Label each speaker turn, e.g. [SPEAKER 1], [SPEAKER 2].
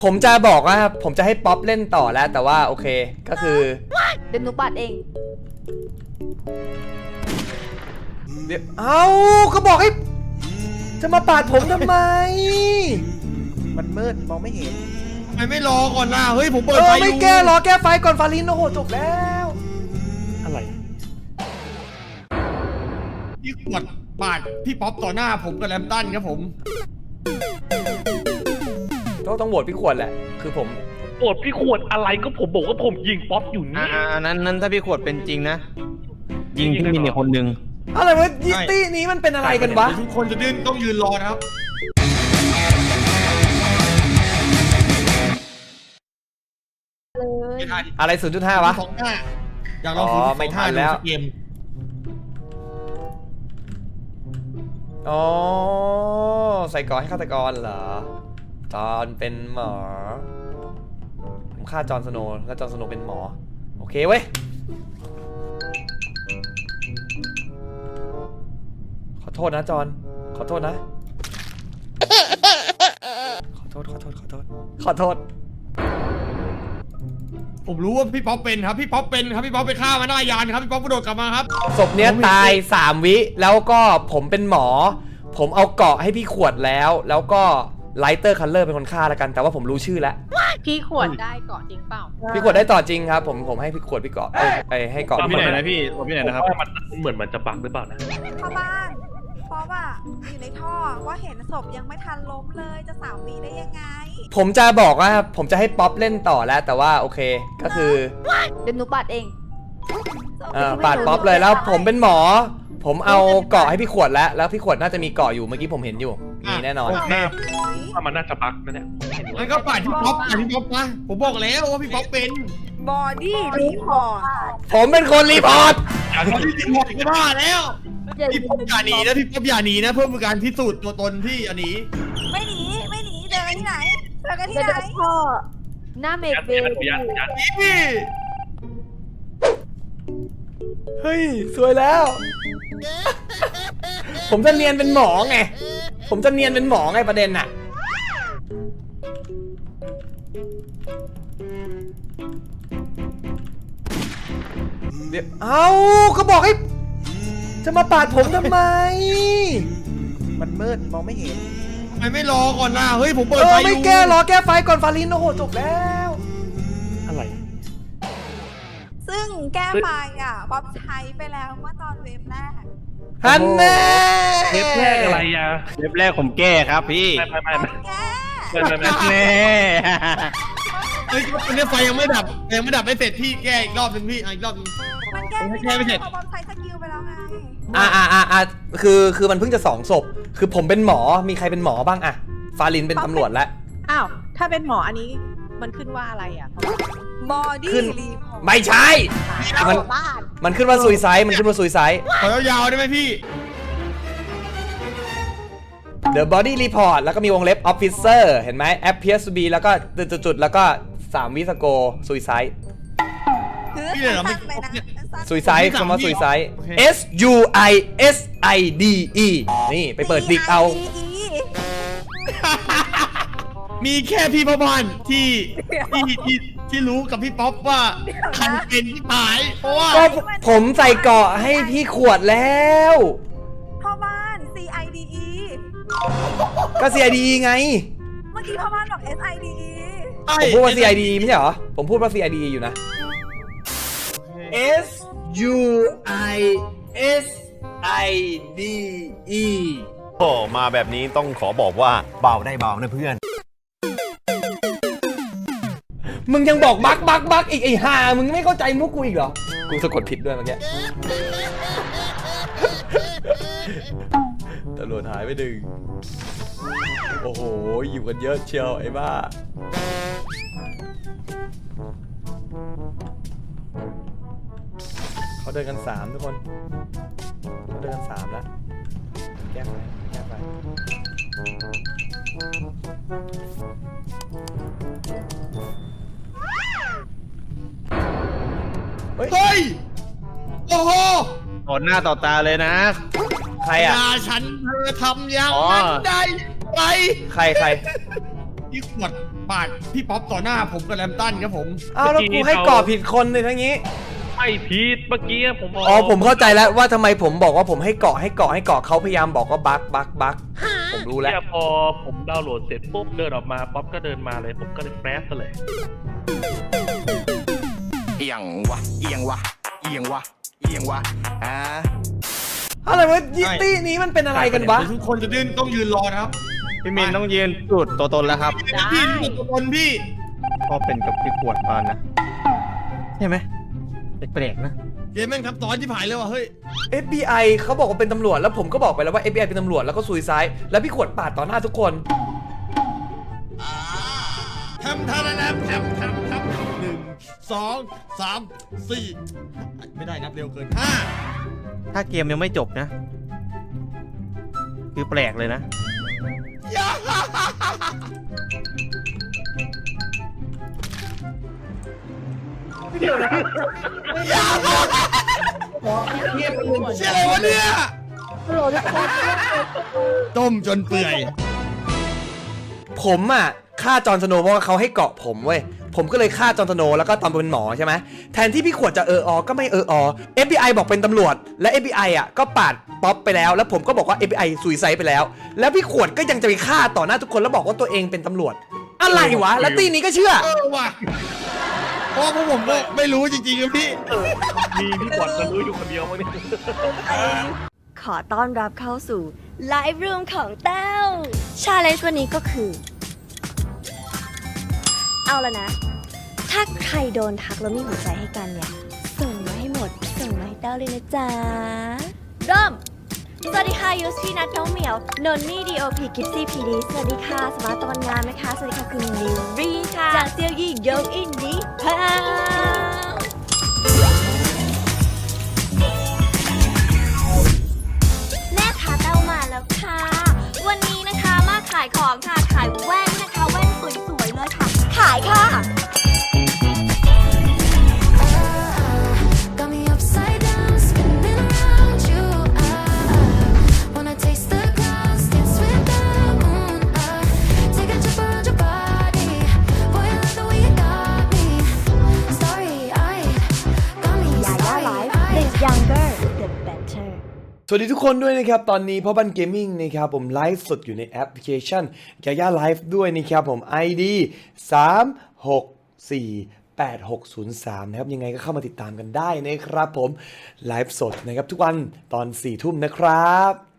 [SPEAKER 1] ผมจะบอกว่าผมจะให้ป๊อปเล่นต่อแล้วแต่ว่าโอเคก็คือ
[SPEAKER 2] เดี๋ยวหนูปัดเอง
[SPEAKER 1] เดี๋ยวเอาก็บอกให้จะมาปาดผมทำไม
[SPEAKER 3] มันมืดมองไม่เห็น
[SPEAKER 4] ทำไมไม่รอก่อนล่ะเฮ้ยผมเปิดไฟอยู่
[SPEAKER 1] ไม่แก้รอแก้ไฟก่อนฟาลินโอ้โหจบแล้ว
[SPEAKER 3] อะไร
[SPEAKER 4] พี่ขวดปาดพี่ป๊อปต่อหน้าผมกับแรมตันครับผม
[SPEAKER 1] ต้องโหวตพี่ขวดแหละคือผม
[SPEAKER 5] โกรธพี่ขวดอะไรก็ผมบอกว่าผมยิงป๊อปอยู่นี่
[SPEAKER 6] นั้นถ้าพี่ขวดเป็นจริงนะ ยิงพี่มินอีกคนนึง
[SPEAKER 1] อะไรวะยิตี้นี้มันเป็นอะไรกันวะ
[SPEAKER 4] ทุกคนจะต้องยืนรอนะครับ
[SPEAKER 2] เลย
[SPEAKER 4] ไม่ทัน
[SPEAKER 1] อะไร 0.5 วะ
[SPEAKER 4] สองหน้าอยากลอง
[SPEAKER 1] อ๋อ
[SPEAKER 4] 0.25
[SPEAKER 1] ไม่ทันแล้ว
[SPEAKER 4] ดูสักเกม
[SPEAKER 1] อ๋อใส่ก่อนให้ฆาตกรเหรอจอห์นเป็นหมอผมฆ่าจอห์นสโนว์แล้วจอห์นสโนว์เป็นหมอโอเคเว้ยขอโทษนะจอห์นขอโทษนะขอโทษขอโทษ
[SPEAKER 4] ผมรู้ว่าพี่ป๊อปเป็นครับพี่ป๊อปเป็นครับพี่ป๊อปไปฆ่ามาหน้ายานครับพี่ป๊อปกระโดดกลับมาครับ
[SPEAKER 1] ศพเนี้ยตาย3 วิแล้วก็ผมเป็นหมอผมเอาเกาะให้พี่ขวดแล้วก็ไลเตอร์คัลเลอร์เป็นคนฆ่าแล้วกันแต่ว่าผมรู้ชื่อแล้ว
[SPEAKER 7] พี่ขวดได้เกาะจริงเปล่า
[SPEAKER 1] พี่ขวดได้ต่อจริงครับผมให้พี่ขวดพี่เกาะให้เกาะ
[SPEAKER 6] พี่ไหนนะพี่พี่ไหนนะครับ
[SPEAKER 5] ว่ามันเหมือนมันจะบักหรือเปล่านะ
[SPEAKER 8] เข้าบ้านเพราะว่าอยู่ในท่อว่าเห็นศพยังไม่ทันล้มเลยจะ3 วิได้ยังไง
[SPEAKER 1] ผมจะบอกว่าผมจะให้ป๊อปเล่นต่อแล้วแต่ว่าโอเคก็คือ
[SPEAKER 2] เดี๋ยวหนูปัดเอง
[SPEAKER 1] ปาดป๊อปเลยแล้วผมเป็นหมอ ผมเอาเกาะให้พี่ขวดแล้วพี่ขวดน่าจะมีเกาะอยู่เมื่อกี้ผมเห็นอยู่มีแน่นอน
[SPEAKER 4] โอเค
[SPEAKER 5] ว่ามันน่าจะบักนะเนี่ย
[SPEAKER 4] งั้นก็ปาดพี่ป๊อปนะผมบอกแล้วว่าพี่ป๊อปเป็น
[SPEAKER 8] บอดี้รีพอร์ต
[SPEAKER 1] ผมเป็นคนรีพอร์ต
[SPEAKER 4] พี่ป๊อปก็บ้าแล้วพี่ป๊อปอย่าหนีนะพี่ป๊อปอย่าหนีนะเพื่อเป็นการพิสูจน์ตัวตนพี่อย่าหนี
[SPEAKER 8] ไม่หนีเจอกันที่ไหนเจอกันที่
[SPEAKER 2] เดี๋ยว
[SPEAKER 8] ไหน
[SPEAKER 2] พ่อหน้าเมกเบล
[SPEAKER 4] นี่
[SPEAKER 1] เฮ้ยสวยแล้ว ผมจะเนียนเป็นหมอไงประเด็นน่ะเดี๋ยวเอาก็บอกให้จะมาปาดผมทำไม
[SPEAKER 3] มันมืดมองไม่เห็น
[SPEAKER 4] ทำไมไม่รอก่อนล่ะเฮ้ยผมเปิดไฟอยู่
[SPEAKER 1] ไม่แก้รอแก้ไฟก่อนฟาลินโอ้โหจบแล้ว
[SPEAKER 5] อะไร
[SPEAKER 8] ซึ่งแก้ไฟป๊อปใช้ไปแล้วเมื่อตอนเวฟแรก
[SPEAKER 1] ฮันแน่
[SPEAKER 5] เทปแรกอะไรอ่ะ
[SPEAKER 6] เว็บแรกผมแก้ครับพี่
[SPEAKER 8] ป๊อปแก้
[SPEAKER 6] แน่
[SPEAKER 4] เฮ้ยตอนนี้ไฟยังไม่ดับไม่เสร็จพี่แก้อีกรอบหนึงพี่อีกรอบหนึง
[SPEAKER 8] มันแก้ไม่
[SPEAKER 4] แก้ไม่เสร็
[SPEAKER 8] ได้
[SPEAKER 4] จ
[SPEAKER 8] เพราะป๊อปใช้สกิลไปแล้วไง
[SPEAKER 1] คือมันเพิ่งจะ2 ศพคือผมเป็นหมอมีใครเป็นหมอบ้างอะฟาลินเป็นตำรวจแล้ว
[SPEAKER 7] อ้าว ถ้าเป็นหมออันนี้มันขึ้นว่าอะไรอ่ะ
[SPEAKER 8] บอดี้
[SPEAKER 1] ขึ้น
[SPEAKER 8] รีพอร์ต
[SPEAKER 1] ไม่ใช่ มันขึ้นว่าซุยไซด์
[SPEAKER 4] ขอยาวๆได้ไหมพี่
[SPEAKER 1] The Body Report แล้วก็มีวงเล็บ Officer เห็นไหม Appears to be แล้วก็จุดๆแล้วก็3 วิสโก Suicide
[SPEAKER 8] คือ
[SPEAKER 4] พี่เลยเหรอไม่
[SPEAKER 8] สั้นๆเลยนะสั้นๆ
[SPEAKER 1] Suicide คำว่า Suicide S U I S I D E นี่ไปเปิดดิกเอา
[SPEAKER 4] มีแค่พี่พ่อบ้านที่รู้กับพี่ป๊อปว่าใครเป็นที่หายเพราะว่า
[SPEAKER 1] ก็ผมใส่เกาะให้พี่ขวดแล้ว
[SPEAKER 8] พ่อบ้าน CIDE
[SPEAKER 1] ก็ CID ไง
[SPEAKER 8] เมื่อกี้พ่อบ้านบอก SIDE
[SPEAKER 1] ผมพูดว่า CID ไม่ใช่เหรอ ผมพูดว่า CID อยู่นะ S U I S I D E
[SPEAKER 9] โอ้มาแบบนี้ต้องขอบอกว่าเบาได้เบานะเพื่อน
[SPEAKER 1] มึงยังบอกบักอีกไอ้ห่ามึงไม่เข้าใจมุกกูอีกเหรอ กูสะกดผิดด้วยเมื่อกี้ ตำรวจหายไปดึงโอ้โห อยู่กันเยอะเชียวไอ้บ้า เขาเดินกัน3ทุกคน เขาเดินกัน3แล้ว แก้ไฟ
[SPEAKER 4] เฮ้ยโอ้โห
[SPEAKER 6] ต่อหน้าต่อตาเลยนะ
[SPEAKER 1] ใครอ่ะ
[SPEAKER 4] ด่าฉันเธอทำอย่าง
[SPEAKER 6] อ๋อ
[SPEAKER 4] นั้นได้ไง
[SPEAKER 1] ใคร
[SPEAKER 4] พี่ขวดปาดพี่ป๊อปต่อหน้าผมกับแรมตันครับผม
[SPEAKER 1] อ้าวแล้วกูให้ก่อผิดคนเลยทั้งนี้
[SPEAKER 5] ไม่ผิดเมื่อกี้ผมบอก
[SPEAKER 1] อ๋อผมเข้าใจแล้วว่าทำไมผมบอกว่าผมให้เกาะเขาพยายามบอกว่าบักผมรู้แล้ว
[SPEAKER 5] เนี่ยพอผมดาวน์โหลดเสร็จปุ๊บเดินออกมาป๊อปก็เดินมาเลยผมก็เลยแปรซะเลย
[SPEAKER 6] เอียงวะ
[SPEAKER 1] อะไรวะยิตตี้นี้มันเป็นอะไรกันวะ
[SPEAKER 4] ทุกคนจะต้องยืนรอนะครับ
[SPEAKER 6] พี่มินต้องยืนจุดตัวตนแล้วครับ
[SPEAKER 4] พี่นี่ตัวตนพี่
[SPEAKER 6] ก็เป็นกับพี่ขวดปานนะใช่ไหมแปลกๆนะ
[SPEAKER 4] เกมแม่งทับซ้อนที่ผายเลยว่ะเฮ้ย
[SPEAKER 1] FBI เขาบอกว่าเป็นตำรวจแล้วผมก็บอกไปแล้วว่า FBI เป็นตำรวจแล้วก็ซุยซ้ายแล้วพี่ขวดปาดต่อหน้าทุกคน
[SPEAKER 4] ทำท่าแล้วนะทำ1 2 3 4ไม่ได้นับเร็วเกิน
[SPEAKER 6] ถ้าเกมยังไม่จบนะ คือแปลกเลยนะ
[SPEAKER 4] เชื่ออะไรวะเนี่ยต้มจนเปื่อย
[SPEAKER 1] ผมอ่ะฆ่าจอห์นสโนว์เพราะว่าเขาให้เกาะผมเว้ยผมก็เลยฆ่าจอห์นสโนว์แล้วก็ตอนเป็นหมอใช่ไหมแทนที่พี่ขวดจะก็ไม่FBI บอกเป็นตำรวจและ FBI อ่ะก็ปาดป๊อปไปแล้วแล้วผมก็บอกว่า FBI ซุยไซด์ไปแล้วแล้วพี่ขวดก็ยังจะไปฆ่าต่อหน้าทุกคนแล้วบอกว่าตัวเองเป็นตำรวจอะไรวะแล้วตีนี้ก็เชื่อ
[SPEAKER 4] ว่ะเพราะผมก็ไม่รู้จริงๆครับพี่
[SPEAKER 5] มีพี่ขวัญมันรู้อยู่คนเดียวมั้งเนี่ย
[SPEAKER 10] ขอต้อนรับเข้าสู่ไลฟ์รูมของแต้วชาเลนจ์วันนี้ก็คือ เอาละนะ ถ้าใครโดนทักแล้วมีหัวใจให้กันเนี่ย ส่งมาให้หมด ส่งมาให้แต้วเลยนะจ๊ะ เริ่ม สวัสดีค่ะยูสพี่นัทน้องเหมียวนนนี่ดีโอพีกิฟซี่พีดีสวัสดีค่ะสมาร์ตตะวันงามนะคะ สวัสดีค่ะคุณนิวรีค่ะจากเซียวยี่ยงอินดี้พาวแม่ค้าเต้ามาแล้วค่ะ วันนี้นะคะมาขายของค่ะ ขายแว่นนะคะแว่นสวยๆเลยค่ะ ขายค่ะ Younger the better
[SPEAKER 1] สวัสดีทุกคนด้วยนะครับตอนนี้พ่อบ้านเกมมิ่งนะครับผมไลฟ์สดอยู่ในแอปพลิเคชันยาย่าไลฟ์ด้วยนะครับผม ID 3648603นะครับยังไงก็เข้ามาติดตามกันได้นะครับผมไลฟ์สดนะครับทุกวันตอน 4 ทุ่มนะครับ